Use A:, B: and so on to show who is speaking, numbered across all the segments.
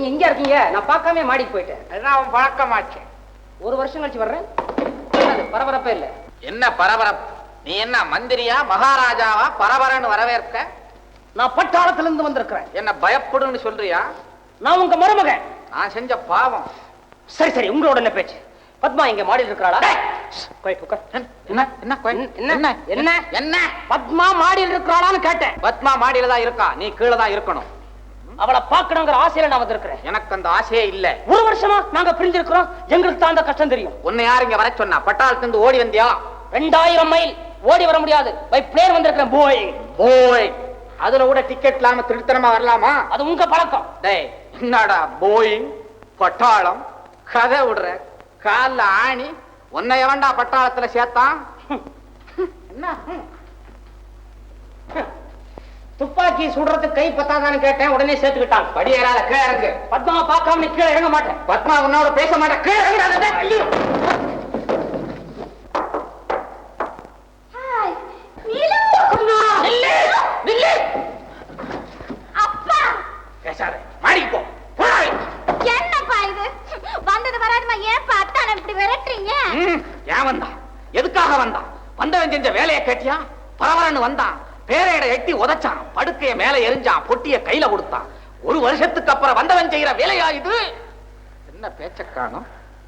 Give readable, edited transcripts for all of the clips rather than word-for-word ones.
A: நீங்க எங்க இருக்கீங்க? நான் பார்க்காம மாடிக்கு போயிட்டேன்.
B: அதுதான் அவன் பழக்கமாச்சு.
A: ஒரு வருஷம் கழிச்சு வர்றேன். பரபரப்பே இல்ல.
B: என்ன பரபரப்பு? நீ என்ன மந்திரியா மகாராஜாவா பரபரன்னு வரவேற்க?
A: நான் பட்டாளத்துல இருந்து வந்திருக்கிறேன்.
B: என்ன பயப்படுன்னு சொல்றியா?
A: நான் உங்க மருமகன்.
B: நான் செஞ்ச பாவம்.
A: சரி சரி, உங்களோட என்ன பேச்சு? பத்மா இங்க மாடியில் இருக்கிறாளா?
B: என்ன என்ன என்ன என்ன என்ன?
A: பத்மா மாடியில் இருக்கிறாளான்னு கேட்டேன்.
B: பத்மா மாடியில தான் இருக்கா, நீ கீழே தான் இருக்கணும்.
A: அவளை பார்க்கணுங்கிற ஆசையில நான் வந்திருக்கிறேன்.
B: எனக்கு அந்த ஆசையே இல்ல.
A: ஒரு வருஷமா நாங்க பிரிஞ்சிருக்கிறோம். எங்களுக்கு தான் அந்த கஷ்டம் தெரியும்.
B: உன்னை யார் இங்க வர சொன்னா? பட்டாளத்துல இருந்து ஓடி வந்தியா?
A: 2000 மைல் ஓடி வர முடியாது. பை பிளேன் வந்திருக்கிறேன். போய்
B: போய் அதுல கூட டிக்கெட் இல்லாம திருத்தனமா வரலாமா?
A: அது உங்க பழக்கம்.
B: டேய், என்னடா போயிங் பட்டாளம் கதை விடுற? கால ஆணி உன்னை எவன்டா பட்டாளத்துல சேர்த்தான்? என்ன
A: துப்பாக்கி சுடுறதுக்கு கை பத்தாதான்னு கேட்டேன். உடனே சேர்த்துக்கிட்டாங்க.
B: படியேறாத, கீழே இறங்கு.
A: பத்மாவை பார்க்காம நீ கீழே இறங்க மாட்டேன்.
B: பத்மா உன்னோட பேச மாட்டேன். கீழே இறங்காத. ஐயோ, பேசாத, மாடிக்கு போ.
C: என்னப்பா இது? வந்தது வராதுமா ஏன்பா அத்தான இப்படி விரட்டுறீங்க?
B: ஏன் வந்தான்? எதுக்காக வந்தான்? வந்தவன் செஞ்ச வேலையை கேட்டியா? பரவரன்னு வந்தான், பேரையிட எட்டி உதைச்சான், படுக்கைய மேல எரிஞ்சான், பொட்டிய கையில கொடுத்தான். ஒரு வருஷத்துக்கு அப்புறம் வந்தவன் செய்யற வேலையா இது? என்ன பேச்ச காணோம்?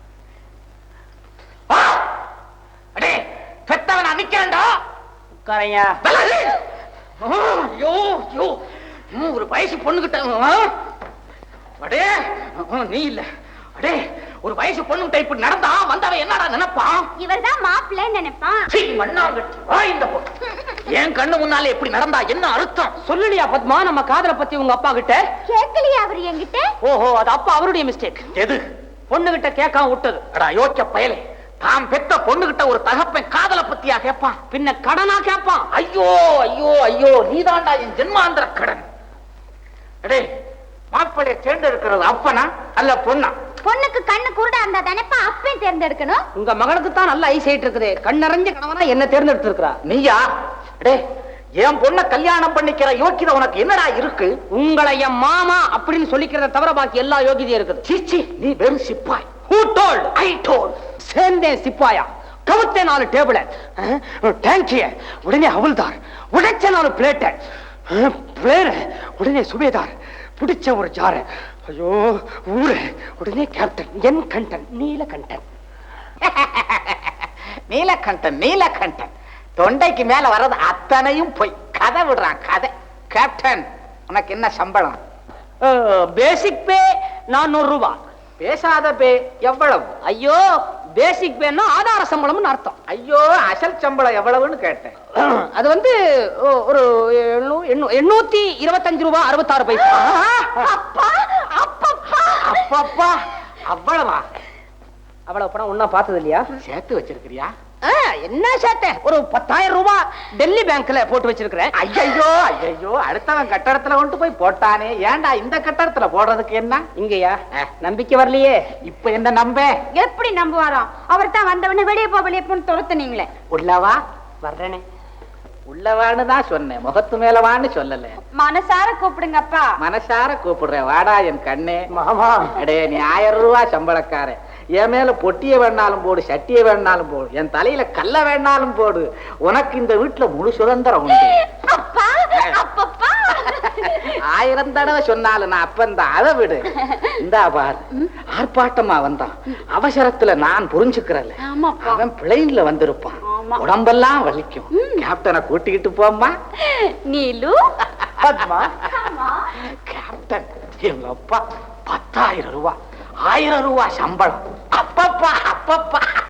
B: அடே, பெத்தவன் நிக்கிறேன்டா.
A: உட்காரையா.
B: ஐயோ ஐயோ, ஒரு வயசு பொண்ணுகிட்ட. அடே நீ இல்ல. அடே, ஒரு வயசு பொண்ணு இப்படி நடந்தா வந்தவன் என்னடா நினைப்பான்?
C: இவர்தான் மாப்பிள்ளைன்னு நினைப்பான்.
B: இந்த பொண்ணு என் கண்ணு முன்னாலே எப்படி நடந்தா என்ன அர்த்தம்?
A: சொல்லலையா பத்மா நம்ம காதலை பத்தி உங்க அப்பா கிட்ட?
C: கேட்கலையா அவர் என்கிட்ட?
A: ஓஹோ, அது அப்பா அவருடைய மிஸ்டேக்.
B: எது?
A: பொண்ணு கிட்ட கேட்காம விட்டது.
B: அடா யோசிச்ச பயலே, தாம் பெத்த பொண்ணுகிட்ட ஒரு தகப்பன் காதலை பத்தியா கேட்பான்?
A: பின்ன கடனா கேட்பான்.
B: ஐயோ ஐயோ ஐயோ, நீதாண்டா என் ஜென்மாந்திர கடன். அடே, மாப்பிள்ளைய தேர்ந்தெடுக்கிறது அப்பனா அல்ல பொண்ணா?
C: பொண்ணுக்கு கண்ணு குருடா இருந்தா தானேப்பா அப்பையும் தேர்ந்தெடுக்கணும்.
A: உங்க மகனுக்கு தான் நல்ல ஐஸ் ஆயிட்டு இருக்குது. கண்ணறிஞ்ச கணவனா என்ன தேர்ந்தெடுத்து இருக்கிறா.
B: நீயா? அடே, என் பொண்ண கல்யாணம் பண்ணிக்கிற யோக்கியதை உனக்கு என்னடா இருக்கு?
A: உங்களை என் மாமா அப்படின்னு சொல்லிக்கிறத தவிர பாக்கி எல்லா யோகியதையும் இருக்குது.
B: சீச்சி, நீ வெறும் சிப்பாய்.
A: Who told?
B: I told.
A: சேர்ந்தேன் சிப்பாயா, கவுத்தே 4 டேபிள, டேங்கிய உடனே ஹவுல்தார், உடைச்ச 4 பிளேட்ட, பிளேர உடனே சுபேதார், பிடிச்ச ஒரு ஜார, ஐயோ ஊரு உடனே கேப்டன், என் கண்டன் நீலகண்டன்.
B: நீலகண்டன் நீலகண்டன், தொண்டைக்கு மேல வர்றது அத்தனையும் போய் கதை விடுறான் கதை. கேப்டன், உனக்கு என்ன சம்பளம்?
A: பேசிக் பே 400 ரூபாய்.
B: பேசாத பே எவ்வளவு?
A: ஐயோ, பேசிக் பேன்னா ஆதார சம்பளம்னு அர்த்தம்.
B: ஐயோ, அசல் சம்பளம் எவ்வளவுன்னு கேட்டேன்.
A: அது வந்து ஒரு 825 ரூபாய் 66 பைசா.
C: அப்பா அப்பப்பா
B: அப்பப்பா, அவ்வளவா?
A: அவ்வளவு பணம் ஒன்னா பார்த்தது இல்லையா?
B: சேர்த்து வச்சிருக்கிறியா?
A: என்ன சேர்த்தேன்? ஒரு 10,000 ரூபாய் டெல்லி பேங்க்ல போட்டு வச்சிருக்கிறேன்.
B: ஐயோ ஐயோ, அடுத்தவன் கட்டடத்துல கொண்டு போய் போட்டானே, ஏன்டா இந்த கட்டடத்துல போடுறதுக்கு என்ன?
A: இங்கயா நம்பிக்கை வரலையே.
B: இப்ப என்ன நம்ப?
C: எப்படி நம்புவாராம்? அவர் தான் வந்தவன வெளியே போன்னு துரத்துனீங்களே.
B: உள்ளவா?
A: வர்றேனே.
B: உள்ளவான்னு தான் சொன்னேன், முகத்து மேலவான்னு சொல்லல.
C: மனசார கூப்பிடுங்கப்பா.
B: மனசார கூப்பிடுறேன், வாடா என் கண்ணே.
A: மாமா,
B: அடே, நீ 1000 ரூபாய் சம்பளக்காரன். என் மேல பொட்டிய வேணாலும் போடு, சட்டிய வேணாலும் போடு, என் தலையில கல்ல வேணாலும் போடு, உனக்கு இந்த வீட்டுல முழு சுதந்திரம் உண்டு.
C: அப்பா அப்பப்பா
B: 1000 தடவை சொன்னாலும் நான் அப்பந்தான். அதை விடு. இந்தா பார், ஆர்ப்பாட்டமா வந்தான், அவசரத்துல நான் புரிஞ்சுக்கிறேன். அவன் பிளைன்ல வந்திருப்பான், உடம்பெல்லாம் வலிக்கும். கேப்டனை கூட்டிக்கிட்டு போம்மா.
C: நீலு,
A: பத்மா,
B: கேப்டன் எங்க அப்பா 10,000 ரூபாய், 1000 ரூபாய் சம்பளம். அப்பப்பா அப்பப்பா.